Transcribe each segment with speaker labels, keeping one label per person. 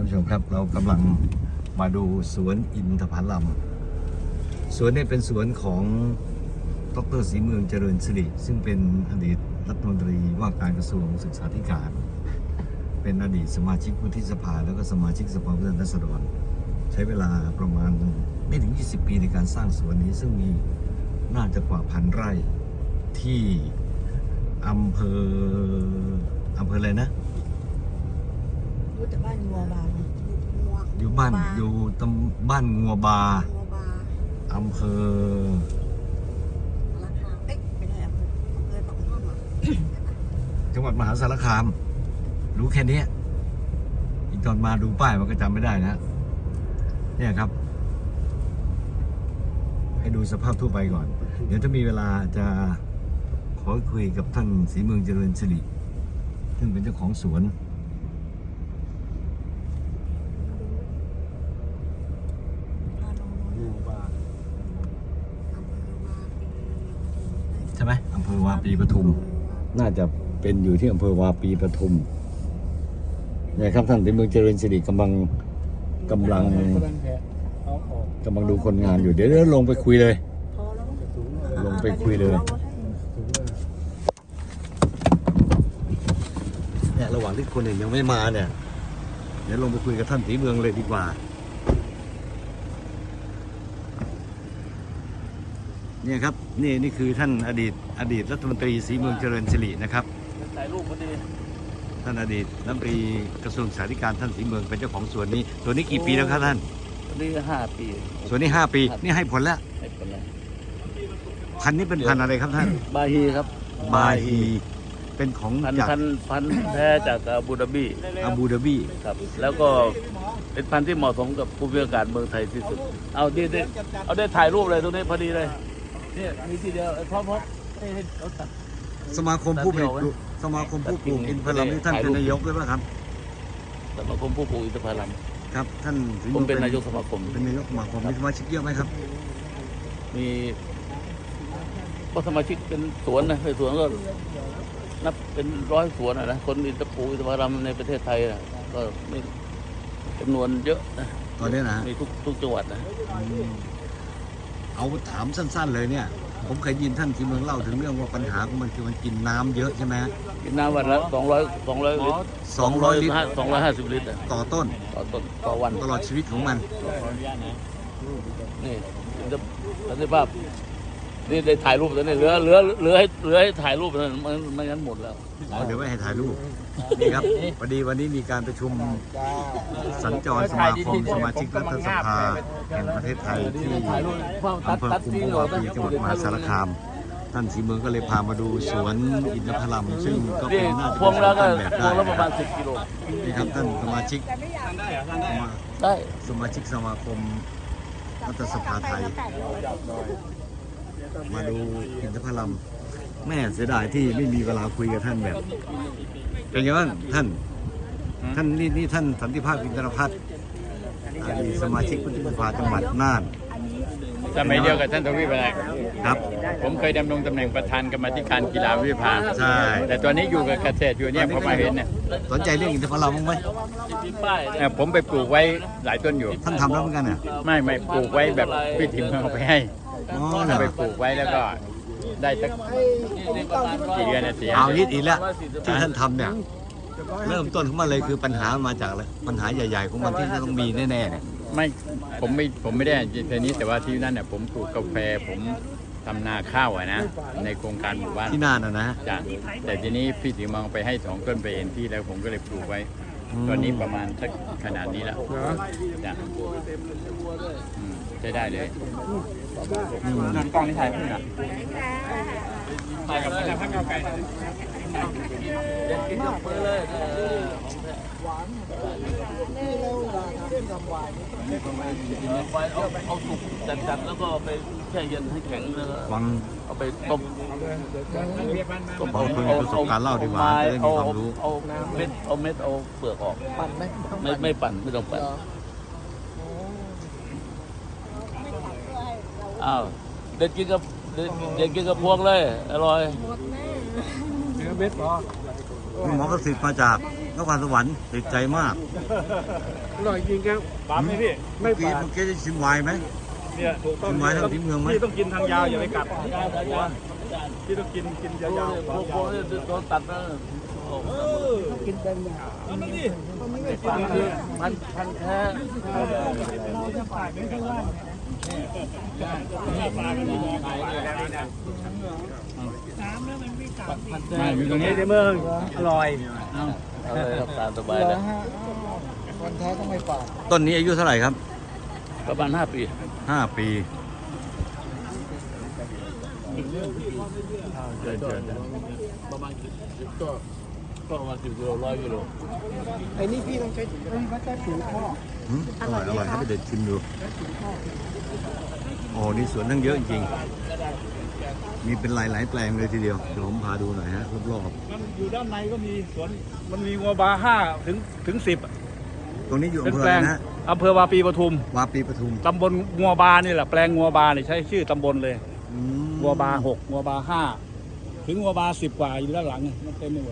Speaker 1: ผู้ชมครับเรากำลังมาดูสวนอินทผลัมสวนนี้เป็นสวนของดร.ศรีเมืองเจริญสิริซึ่งเป็นอดีตรัฐมนตรีว่าการกระทรวงศึกษาธิการเป็นอดีตสมาชิกวุฒิสภาแล้วก็สมาชิกสภาผู้แทนราษฎรใช้เวลาประมาณไม่ถึง20 ปีในการสร้างสวนนี้ซึ่งมีน่าจะกว่า1,000 ไร่ที่อำเภออะไรนะ
Speaker 2: รู้แต่บ้านงัวบาง
Speaker 1: อยู่บ้านบ้านงัวบาอำเภอ
Speaker 2: ไม่ได้อำเภอปากช่องอ่ะ
Speaker 1: จังหวัดมหาสารคามรู้แค่นี้อีกตอนมาดูป้ายมันก็จำไม่ได้นะเนี่ยครับให้ดูสภาพทั่วไปก่อนเดี๋ยวถ้ามีเวลาจะขอคุยกับท่านศรีเมืองเจริญสิริซึ่งเป็นเจ้าของสวนใช่ไหมอำเภอวาปีปทุมน่าจะเป็นอยู่ที่อำเภอวาปีปทุมเนี่ยครับท่านศรีเมืองเจริญสิริกำลังดูคนงานอยู่เดี๋ยวลงไปคุยเลยลงไปคุยเลยเนี่ยระหว่างที่คนอื่นยังไม่มาเนี่ยเดี๋ยวลงไปคุยกับท่านศรีเมืองเลยดีกว่าเนี่ยครับนี่คือท่านอดีตรัฐมนตรีศรีเมืองเจริญสิรินะครับ
Speaker 3: ถ่ายรูปพอดี
Speaker 1: ท่านอดีตรัฐมนตรีกระทรวงศึกษาธิการท่านศรีเมืองเป็นเจ้าของสวนนี้สวนนี้กี่ปีแล้วครับท่าน
Speaker 3: นี่5 ปี
Speaker 1: สวนนี้5 ปีนี่ให้ผลแล้วพันธุ์นี้เป็นพันธุ์อะไรครับท่าน
Speaker 3: บาฮีครับ
Speaker 1: บาฮีเป็นของจาก
Speaker 3: พันธุ์แท้จากอาบูดาบีครับแล้วก็เป็นพันธุ์ที่เหมาะสมกับภูมิอากาศเมืองไทยที่สุดเอาได้ถ่ายรูปเลยตรงนี้พอดีเลยเนี่ยมีทีเดียวพร้อมให้เขาตัด
Speaker 1: สมาคมผู้ปลูกอินทผลัมนี่ท่านเป็นนายกด้วยป่ะครับ
Speaker 3: สมาคมผู้ปลูกอินทผลัม
Speaker 1: ครับท่าน
Speaker 3: ผมเป็นนายกสมาคม
Speaker 1: เป็นนายกสมาคมมีสมาชิกเยอะไหมครับ
Speaker 3: มีก็สมาชิกเป็นสวนนะเป็นสวนก็นับเป็น100 สวนนะคนอินทผลัมในประเทศไทยนะก็ไม่จำนวนเยอะนะ
Speaker 1: ตอนนี้นะ
Speaker 3: มีทุกจังหวัดนะ
Speaker 1: เอาถามสั้นๆเลยเนี่ยผมเคยยินท่านที่เมืองเล่าถึงเรื่องว่าปัญหาของมันคือมันกินน้ำเยอะใช่ไหม
Speaker 3: กินน้ำวันละ200 ลิตร250 ลิตร
Speaker 1: ต่อต้น
Speaker 3: ต่อวัน
Speaker 1: ตลอดชีวิตของมัน
Speaker 3: นี่สันติภาพนี่ได้ถ่ายรูปแล้วนี่เหลือให้ถ่ายรูปนั้นมันงั้นหมดแล้ว
Speaker 1: เดี๋ยวไม่ให้ถ่ายรูปนี่ครับพอดีวันนี้มีการประชุมสัญจรสมาคมสมาชิกรัฐสภาแห่งประเทศไทยที่อำเภอคุมพวาปีจังหวัดมหาสารคามท่านศรีเมืองก็เลยพามาดูสวนอินทผลัมซึ่งก็เป็นน่าจะเป็นสวนต้นแบบได้
Speaker 3: ประมาณ10 กิโล
Speaker 1: นี่ครับท่านสมาชิก
Speaker 3: ได้
Speaker 1: สมาชิกสมาคมรัฐสภาไทยมาดูอินทผลัมแม่เสียดายที่ไม่มีเวลาคุยกับท่านแบบเป็นไงบ้างท่านนี่ท่านสันติภาพอินทรพัฒน์สมาชิกวุฒิสภาจังหวัดน่าน
Speaker 4: สมัยเดียวกับท่านทวีปอะไร
Speaker 1: ครับ
Speaker 4: ผมเคยดำรงตำแหน่งประธานกรรมาธิการกีฬาวิภา
Speaker 1: ใช่
Speaker 4: แต่ตอนนี้อยู่กับเกษตรอยู่เนี่ยพอมาเห็นเนี่ย
Speaker 1: สนใจเรื่องอินทผลัมบ้างไหม
Speaker 4: ผมไปปลูกไว้หลายต้นอยู่
Speaker 1: ท่านทำแล้วเหมือนกันอ่ะ
Speaker 4: ไม่ปลูกไว้แบบพี่ถิ่มเอาไปให้ไปปลูกไว้แล้วก็ได้สักกี่เดือนนะ
Speaker 1: เอานิดอีกแล้วที่ท่านทำเนี่ยเริ่มต้นของมันเลยคือปัญหามาจากอะไรปัญหาใหญ่ๆของมันที่ต้องมีแน่ๆเนี่ย
Speaker 4: ผมไม่ได้ทีนี้แต่ว่าที่นั่นเนี่ยผมปลูกกาแฟผมทำนาข้าวนะในโครงการหมู่บ้าน
Speaker 1: ที่น่านนะ
Speaker 4: จ้ะแต่ทีนี้พี่ถึงมองไปให้2 ต้นไปเห็นที่แล้วผมก็เลยปลูกไว้ตอนนี้ประมาณสักขนาดนี้แล้วจ้ะใช้ได้เลยนั่นกล้องนี่ถ่ายเพื่อนถ่ายกับคนละพักเก้าไก่
Speaker 3: กินกับมือเลย
Speaker 2: หวานนี่เราเส้นทำหวาน
Speaker 3: เอาสุกจัดแล้วก็ไปแช่เย็นให้แข็งแล้วเอาไปต้ม
Speaker 1: เอาคนมีประสบการณ์เล่าดีกว่าจะได้มีความรู้
Speaker 3: เอาเม็ดเอาเปลือกออก
Speaker 2: ปั่นไหม
Speaker 3: ไม่ปั่นไม่ต้องปั่นอ้าวเด็ดกินกับพวงเลยอร่อย
Speaker 1: เนื้อเม็ดหมอประสิทธิ์มาจากนครสวรรค์ติดใจมาก
Speaker 2: อร่อยจริงครับ
Speaker 5: ปามไหมพี่
Speaker 1: เมื่อกี้ได้ชิมไวน์ไหม
Speaker 5: เนี่ยถูกต้อง
Speaker 1: ชิมไวน์ทางที่เมืองไหม
Speaker 5: พี่ต้องกินทางยาวอย่าไปกัดพี่ต้องกินยาว
Speaker 3: โค้งเนี่ยโดนตัดนะ
Speaker 2: กินเป็น
Speaker 5: ๆนั่นดิมันไม่กิน
Speaker 3: พันแท้
Speaker 5: อยู่ตรงนี้ในเมืองอร่อย
Speaker 3: เอาเลยครับตามสบาย
Speaker 2: เหร
Speaker 3: เล
Speaker 2: อย ฮะคนแท้ต้องไม่ฝาด
Speaker 1: ต้นนี้อายุเท่าไหร่ครับ
Speaker 3: ประมาณ5 ปี
Speaker 1: 5 ปี
Speaker 3: เกินประมาณก็ประมาณ10 กิโล100 กิโล
Speaker 2: ไอ้นี่พี่ต้องใช้ถุงข้อ
Speaker 1: อร่อยอร่อยให้ไปเด็ดชิมดูโอ้นี่สวนทั้งเยอะจริงๆมีเป็นหลายๆแปลงเลยทีเดียวเดี๋ยวผมพาดูหน่อยฮะรอบ
Speaker 5: มันอยู่ด้านในก็มีสวนมันมีงัวบา5 ถึง 10
Speaker 1: ๆตรงนี้อยู่
Speaker 5: เป็น
Speaker 1: อำเภอ
Speaker 5: แปล
Speaker 1: อะไร
Speaker 5: ง
Speaker 1: นะ
Speaker 5: อำเภอวาปีปทุม
Speaker 1: วาปีปทุม
Speaker 5: ตำบลงัวบานี่แหละแปลงงัวบานี่ใช้ชื่อตำบลเลย
Speaker 1: อืม
Speaker 5: งัวบา6งัวบา5ถึงงัวบา10 กว่าอยู่ด้านหลังมันเต็มไปหมด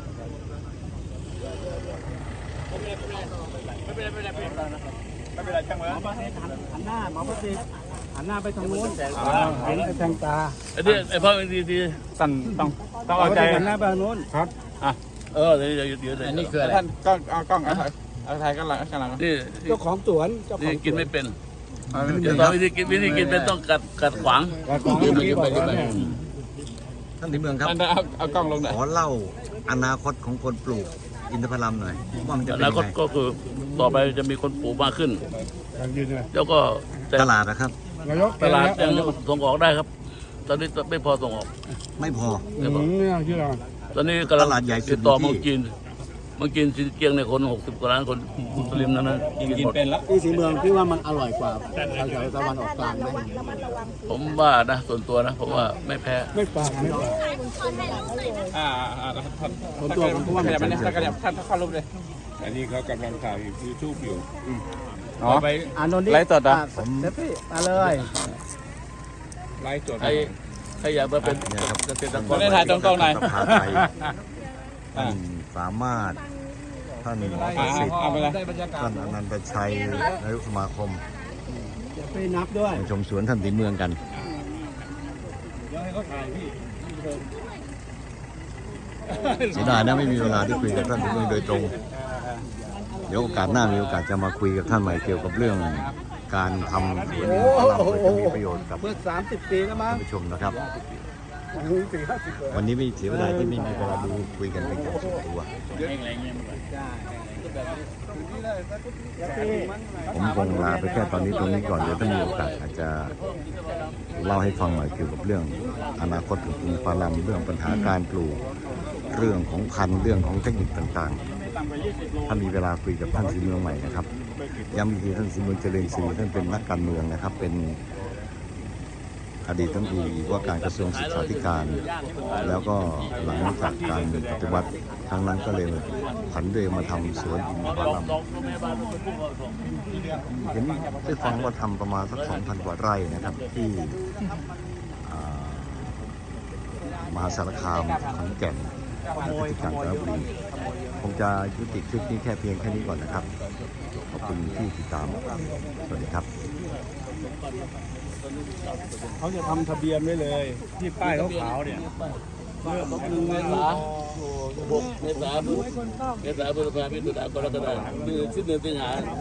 Speaker 5: ไม่เป็นไรช่างมันหันหน้าหมอประสิทธิ์หันหน้าไปทางนู้นเห็นแทงตา
Speaker 3: อันนี้ไอ้พ่อดี
Speaker 5: สั่นต้องเอาใจหันหน้าไปทางนู้นครับ
Speaker 3: เดี๋ยว
Speaker 4: อันนี้คืออะไร
Speaker 5: ท่านกล้องเอากล้องเอาถ่ายกันหลังกันหลัง
Speaker 3: นี่
Speaker 2: เจ้าของสวนเจ้าข
Speaker 3: นี่
Speaker 2: อง
Speaker 3: กินไม่เป็นเดี๋ยวตอนวิธีกินเป็นต้องกัดขวาง
Speaker 1: ท่านที่เมืองครับ
Speaker 5: เอากล้องลงหน่อย
Speaker 1: ขอเล่าอนาคตของคนปลูกอินทผลัมหน่อยว่ามันจะ
Speaker 3: อ
Speaker 1: เป็น
Speaker 3: นา
Speaker 1: ยัง
Speaker 3: คต
Speaker 1: ไง
Speaker 3: ก็คือต่อไปจะมีคนปลูกมากขึ้น
Speaker 5: ยืนเลย
Speaker 3: แล้วก็แต่
Speaker 1: ตลาดนะครับ
Speaker 5: นายก
Speaker 3: ตลาดยังส่งออกได้ครับ ตอนนี้ไม่พอส่งออก
Speaker 1: ไม่พอ
Speaker 3: ไม่พอ
Speaker 5: เนี่ยชื่ออะไร
Speaker 3: ตอนนี้กำลัง
Speaker 1: ตลาดใหญ่สุด
Speaker 3: ติดต่อ
Speaker 1: อยู่
Speaker 3: เมือง
Speaker 1: ที่
Speaker 3: จีนเมืองจีนเกียงเนี่ยคน60 กว่าล้านคนมุสลิมนั้นกินหมด
Speaker 2: ที่สีเมืองพี่ว่ามันอร่อยกว่าแถวตะวันออกกลางไหม
Speaker 3: ผมว่านะส่วนตัวนะผมว่าไม่แพ้
Speaker 2: ไม่ฝาดไม่ฝาด
Speaker 5: ท่าน
Speaker 2: ผมตัวผมก็ว่า
Speaker 5: ข
Speaker 2: มัน
Speaker 5: ยับมาเนี่ยท่านขยับท่านเข้ารูปเลย
Speaker 6: อันนี้เขากำลังถ่ายยูทูบอยู่
Speaker 5: อ๋อไป
Speaker 2: อ่านนท์ดิ
Speaker 5: ไลฟ์สดอ่ะ
Speaker 2: เดี๋ยวพี่มาเลย
Speaker 6: ไลฟ์สด
Speaker 3: ใครอยากมาเป็น
Speaker 1: เนี่ยครับ
Speaker 3: เกษตรก
Speaker 5: ไม่
Speaker 3: ร
Speaker 5: ได้ถ่ายตรงๆหน่อย
Speaker 1: สภาไทยท่านสามารถท่านหมอประสิทธิ์
Speaker 5: เอาไปเลย
Speaker 1: ท่านอนันตชัยนายกสมาคม
Speaker 2: เดี๋ยวไปนับด้วย
Speaker 1: มาชมสวนท่านสีเมืองกันเสียดายนะไม่มีเวลาได้คุยกับท่านสีเมืองโดยตรง เดี๋ยวโอกาสหน้ามีโอกาสจะมาคุยกับท่านใหม่เกี่ยวกับเรื่องการทำสวนอินทผลัมเพื่อจะมีประโยชน์กับ
Speaker 2: เมื่อ30 ปีแล้วมั้
Speaker 1: ท่าน
Speaker 2: ง
Speaker 1: ผู้ชมนะครับ
Speaker 2: 40-50 เลย
Speaker 1: วันนี้ไม่เสียเวลาที่ไม่มีเวลาดูคุยกันเป็นการส่วนตัว ผมคงลาไปแค่ตอนนี้ตรงนี้ก่อนเดี๋ยวถ้ามีโอกาสอาจจะเล่าให้ฟังหน่อยเกี่ยวกับเรื่องอนาคตของอินทผลัมเรื่องปัญหาการปลูกเรื่องของพันธุ์เรื่องของเทคนิคต่างๆถ้ามีเวลาคุยกับท่านสีเมืองใหม่นะครับย้ำอีกทีท่านสีเมืองเจริญศรีท่านเป็นนักการเมืองนะครับเป็นอดีตรัฐมนตรีว่าการกระทรวงศึกษาธิการ แล้วก็หลังจากการปฏิวัติครั้งนั้นก็เลยผันตัวเองมาทำสวนอินทผลัมเห็นได้ฟังว่าทำประมาณสัก 2,000 กว่าไร่นะครับที่มหาสารคามขอนแก่นและที่กาญจนบุรีคงจะยุติคลิปนี้แค่เพียงแค่นี้ก่อนนะครับขอบคุณที่ติดตามสวัสดีครับ
Speaker 5: เขาจะทำทะเบียนไว้เลย ที่ป้ายขาวๆเนี่ย
Speaker 3: เมื่อ1 เมษายน6 เมษายนพฤษภาคมกรกฎาคมสิ้นเดือนสิงหา